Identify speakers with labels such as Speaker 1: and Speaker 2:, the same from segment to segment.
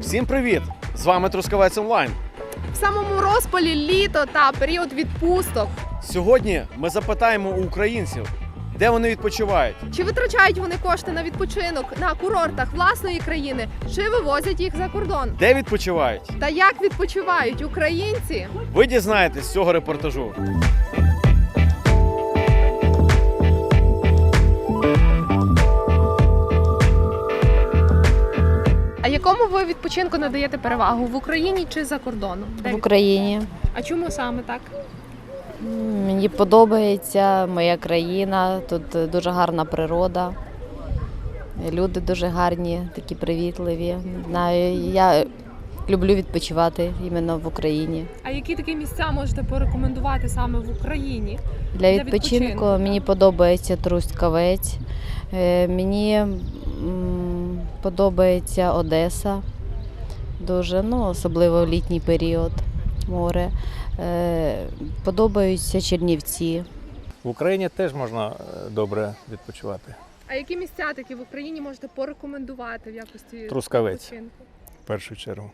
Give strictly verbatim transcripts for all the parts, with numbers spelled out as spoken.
Speaker 1: Всім привіт! З вами Трускавець Онлайн.
Speaker 2: В самому розпалі літо та період відпусток.
Speaker 1: Сьогодні ми запитаємо у українців, де вони відпочивають.
Speaker 2: Чи витрачають вони кошти на відпочинок на курортах власної країни, чи вивозять їх за кордон?
Speaker 1: Де відпочивають?
Speaker 2: Та як відпочивають українці?
Speaker 1: Ви дізнаєтесь з цього репортажу.
Speaker 2: А якому ви відпочинку надаєте перевагу? В Україні чи за кордоном? Де
Speaker 3: В
Speaker 2: від-
Speaker 3: Україні.
Speaker 2: А чому саме так?
Speaker 3: М, Мені подобається моя країна, тут дуже гарна природа. Люди дуже гарні, такі привітливі. Не знаю, я люблю відпочивати іменно в Україні.
Speaker 2: А які такі місця можете порекомендувати саме в Україні?
Speaker 3: Для
Speaker 2: Для
Speaker 3: відпочинку
Speaker 2: відпочинку,
Speaker 3: мені подобається Трускавець, е, мені м, подобається Одеса, дуже, ну, особливо в літній період, море. Е, Подобаються Чернівці.
Speaker 4: В Україні теж можна е, добре відпочивати.
Speaker 2: А які місця такі в Україні можете порекомендувати в якості
Speaker 4: Трускавець.
Speaker 2: відпочинку?
Speaker 4: В першу чергу.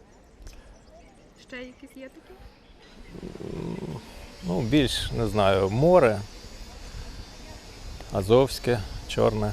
Speaker 2: Ще якісь є такі?
Speaker 4: Ну, більш, не знаю, море, Азовське, Чорне.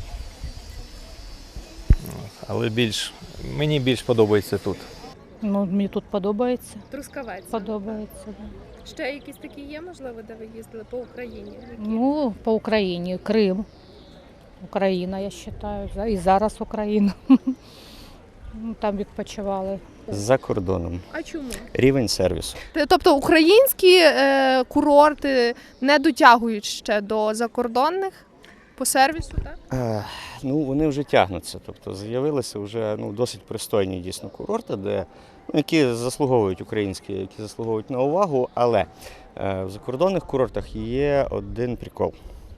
Speaker 4: От, але більш, мені більш подобається тут.
Speaker 5: Ну, мені тут подобається.
Speaker 2: Трускавець.
Speaker 5: Подобається. Да.
Speaker 2: Ще якісь такі є, можливо, де ви їздили по Україні? Які?
Speaker 5: Ну, по Україні, Крим. Україна, я вважаю. І зараз Україна. Ну, там відпочивали.
Speaker 6: За кордоном.
Speaker 2: А чому?
Speaker 6: Рівень сервісу.
Speaker 2: Тобто українські е, курорти не дотягують ще до закордонних по сервісу, так?
Speaker 6: Е, ну, вони вже тягнуться. Тобто з'явилися вже ну, досить пристойні дійсно курорти, де, ну, які заслуговують українські, які заслуговують на увагу, але е, в закордонних курортах є один прикол.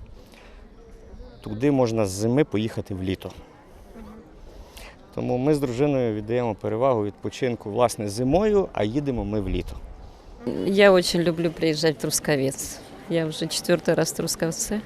Speaker 6: Туди можна з зими поїхати в літо. Тому ми з дружиною віддаємо перевагу відпочинку власне зимою, а їдемо ми в літо.
Speaker 7: Я очень люблю приезжать в Трускавец. Я уже четвертый раз в Трускавце.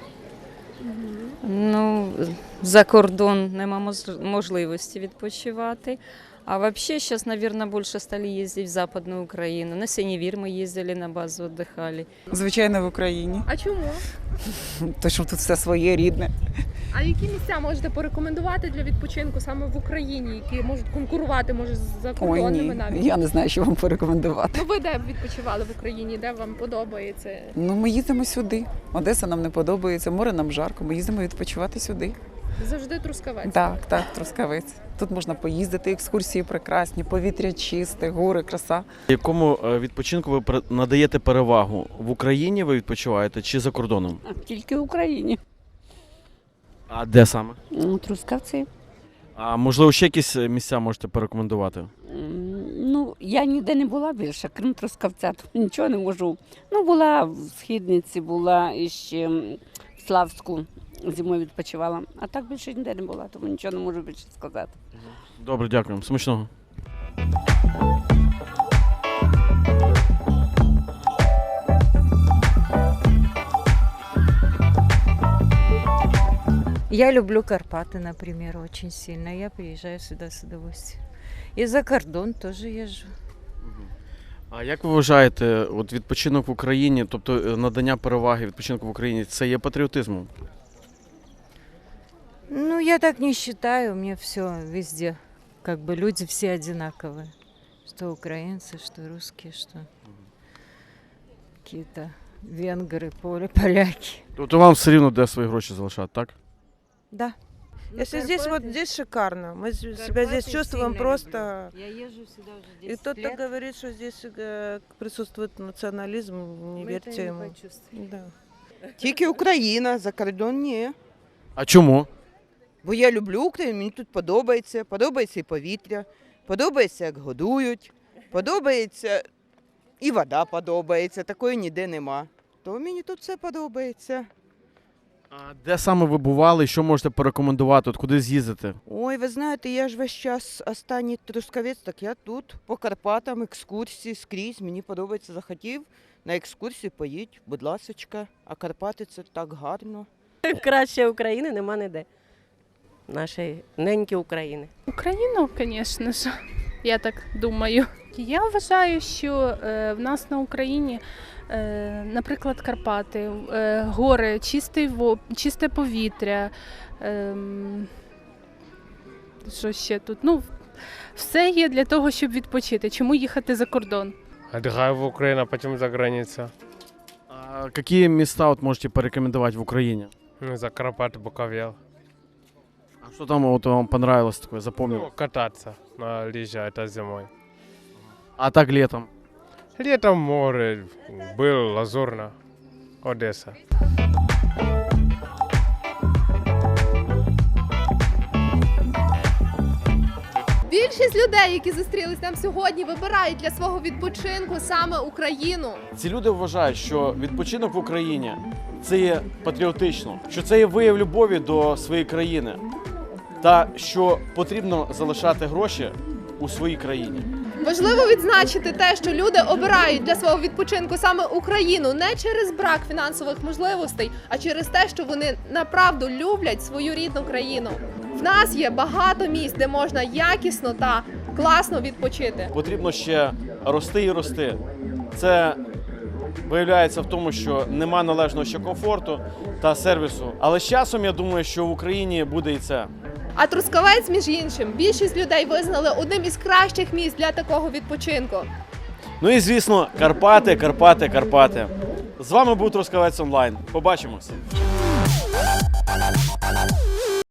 Speaker 7: Ну, за кордон нема мож- можливості відпочивати. А вообще сейчас, наверное, больше стали ездить в Западную Украину. На Синевир мы ездили на базу, отдыхали.
Speaker 8: Звичайно, в Україні.
Speaker 2: А чому?
Speaker 8: То, що тут все своє рідне.
Speaker 2: А які місця можете порекомендувати для відпочинку саме в Україні, які можуть конкурувати, може, з
Speaker 8: Ой,
Speaker 2: закордонними
Speaker 8: ні.
Speaker 2: навіть?
Speaker 8: Я не знаю, що вам порекомендувати.
Speaker 2: Ну ви де відпочивали в Україні, де вам подобається?
Speaker 8: Ну, ми їздимо сюди. Одеса нам не подобається, море нам жарко. Ми їздимо відпочивати сюди.
Speaker 2: Завжди Трускавець.
Speaker 8: Так, так, Трускавець. Тут можна поїздити, екскурсії прекрасні, повітря чисте, гори, краса.
Speaker 1: Якому е, відпочинку ви пер- надаєте перевагу? В Україні ви відпочиваєте чи за кордоном?
Speaker 9: Тільки в Україні.
Speaker 1: А де саме?
Speaker 9: Ну, Трускавці.
Speaker 1: А можливо, ще якісь місця можете порекомендувати?
Speaker 9: М, Ну, я ніде не була більше, крім Трускавця. Тут нічого не можу. Ну, була в Східниці, була і ще в Славську. Зимою відпочивала. А так більше ніде не була, тому нічого не можу більше сказати.
Speaker 1: Добре, дякуємо. Смачного.
Speaker 10: Я люблю Карпаты, например, очень сильно. Я приезжаю сюда с удовольствием. И за кордон тоже езжу.
Speaker 1: А як ви вважаєте, от відпочинок в Україні, тобто е, надання переваги відпочинку в Україні, це є патріотизмом?
Speaker 10: Ну, я так не считаю. Мне все везде, как бы люди все одинаковые. Что украинцы, что русские, что какие-то венгры, поле, поляки.
Speaker 1: Тобто вам все рівно де свої гроші залишати, так?
Speaker 11: Да. Если здесь вот здесь шикарно, мы з- себя здесь чувствуем просто.
Speaker 10: Я езжу сюда уже
Speaker 11: И
Speaker 10: десять
Speaker 11: кто-то
Speaker 10: лет.
Speaker 11: говорит, что здесь э, присутствует национализм, не
Speaker 10: Мы
Speaker 11: верьте
Speaker 10: это не
Speaker 11: ему.
Speaker 10: почувствуем.
Speaker 11: Да.
Speaker 12: Тільки Україна, за кордон ні.
Speaker 1: А чому?
Speaker 12: Бо я люблю Україну, мені тут подобається. Подобається і повітря, подобається, як годують, подобається і вода подобається, такої ніде нема. То мені тут все подобається.
Speaker 1: А де саме ви бували, що можете порекомендувати, от куди з'їздити?
Speaker 12: Ой, ви знаєте, я ж весь час останній Трускавець, так я тут, по Карпатам, екскурсії скрізь, мені подобається, захотів на екскурсію поїдь, будь ласочка, а Карпати це так гарно.
Speaker 13: Краще України нема ніде. Нашої неньки України.
Speaker 14: Україну, звісно ж.
Speaker 2: Я так думаю.
Speaker 13: Я вважаю, що е, в нас на Україні, е, наприклад, Карпати, е, гори, чистий во, чисте повітря. Е, що ще тут? Ну, все є для того, щоб відпочити. Чому їхати за кордон?
Speaker 14: Отдыхаю в Украине, а потом за границей.
Speaker 1: А какие места вот можете порекомендовать в Украине?
Speaker 14: Ну, за Карпаты, Буковел.
Speaker 1: А что там вот вам понравилось такое, запомнил?
Speaker 14: Ну, кататься на лыжах, это зимой.
Speaker 1: А так летом?
Speaker 14: Летом море, был Лазурно, Одесса.
Speaker 2: Більшість людей, які зустрілись нам сьогодні, вибирають для свого відпочинку саме Україну.
Speaker 1: Ці люди вважають, що відпочинок в Україні це є патріотично, що це є вияв любові до своєї країни та що потрібно залишати гроші у своїй країні.
Speaker 2: Важливо відзначити те, що люди обирають для свого відпочинку саме Україну не через брак фінансових можливостей, а через те, що вони направду люблять свою рідну країну. В нас є багато місць, де можна якісно та класно відпочити.
Speaker 1: Потрібно ще рости і рости. Це виявляється в тому, що нема належного ще комфорту та сервісу. Але з часом я думаю, що в Україні буде і це.
Speaker 2: А Трускавець, між іншим, більшість людей визнали одним із кращих місць для такого відпочинку.
Speaker 1: Ну і звісно, Карпати, Карпати, Карпати. З вами був Трускавець онлайн. Побачимось.